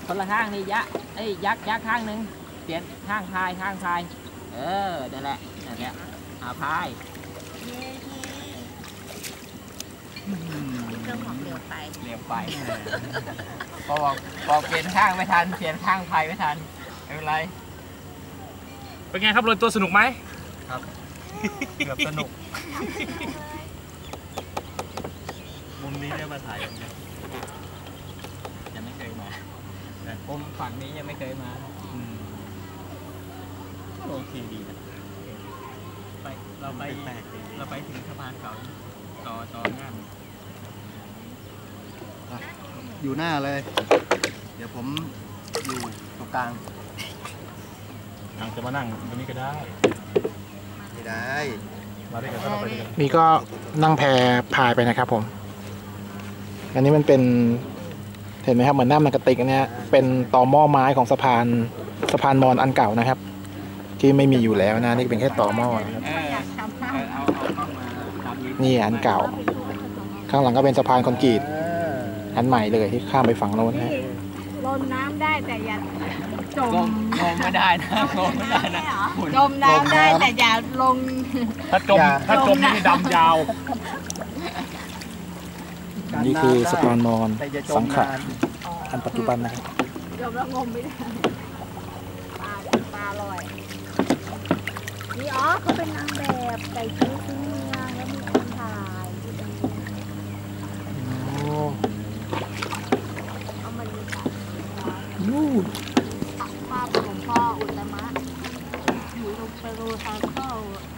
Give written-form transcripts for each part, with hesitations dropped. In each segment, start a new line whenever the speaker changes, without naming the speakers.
คนละข้างนี่ยักยักข้างหนึ่งเปลี่ยนข้างพายนั่นแหละพาย
เครื่องหอมเร็วไป
พอบอกเปลี่ยนข้างไม่ทันเปลี่ยนข้างพายไม่ทันไม่เป็นไร
เป็นไงครับโรยตัวสนุกไหม
ครับเกือบสนุก
มุมนี้ได้มาถ่าย
ยังไม่เคยมาผมฝั่งนี้ยังไม่เคยมา
โอเคดีนะ
เราไปถึงสะพานเก่าต่อหน้า
อยู่หน้าเลยเดี๋ยวผมอยู่ตรงกลาง
จะมานั่งตรงนี้ก็ได้
ไม่ได้
มาด้วยกันก็เราไปด้วยกัน
นี่ก็นั่งแพพายไปนะครับผมอันนี้มันเป็นเห็นไหมครับเหมือนหน้ามันกระติกอันนี้เป็นตอหม้อไม้ของสะพานมอญอันเก่านะครับที่ไม่มีอยู่แล้วนะนี่เป็นแค่ตอหม้อนะครับนี่อันเก่าข้างหลังก็เป็นสะพานคอนกรีตอันใหม่เลยที่ข้ามไปฝั่งโน้นนะ
ลงน้ำได้แต่อย่าจม
ไม่ได้นะ
จมน้ำได้แต่อย่าลง
ถ้าจมนี่ดำยาว
นี่คือสะพานมอญสังขะอันปัจจุบันนะครับ
จมแล้วงมไม่ได้ปลาลอยนี่เขาเป็นนางแบบใส่ชุดพื้นเมืองแล้วมีคนถ่ายเอามาดูกัน
นู่น
ภาพหลวงพ่ออุตตมะอยู่ตรงเปรูทางเข้า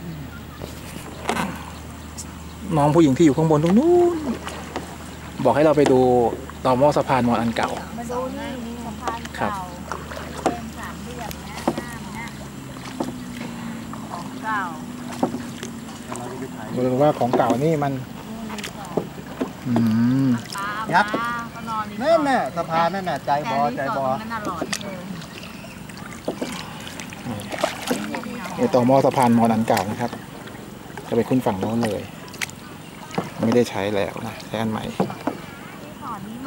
น้องผู้หญิงที่อยู่ข้างบนตรงนู้นบอกให้เราไปดูต่อหม้อสะพานมอญอันเก่า
มาดูนี่สะพานเก่าเป็นสามเหลี่ยมนะหน้ามันของเก่า
ดูว่าของเก่านี่มัน
ยับนั่นน่ะสะพานนั่นน่ะใจบอ
ต่อหม้อสะพานมอญอันเก่านะครับจะไปขึ้นฝั่งโน้นเลยไม่ได้ใช้แล้วนะใช้อันใหม่
ก่อนนี้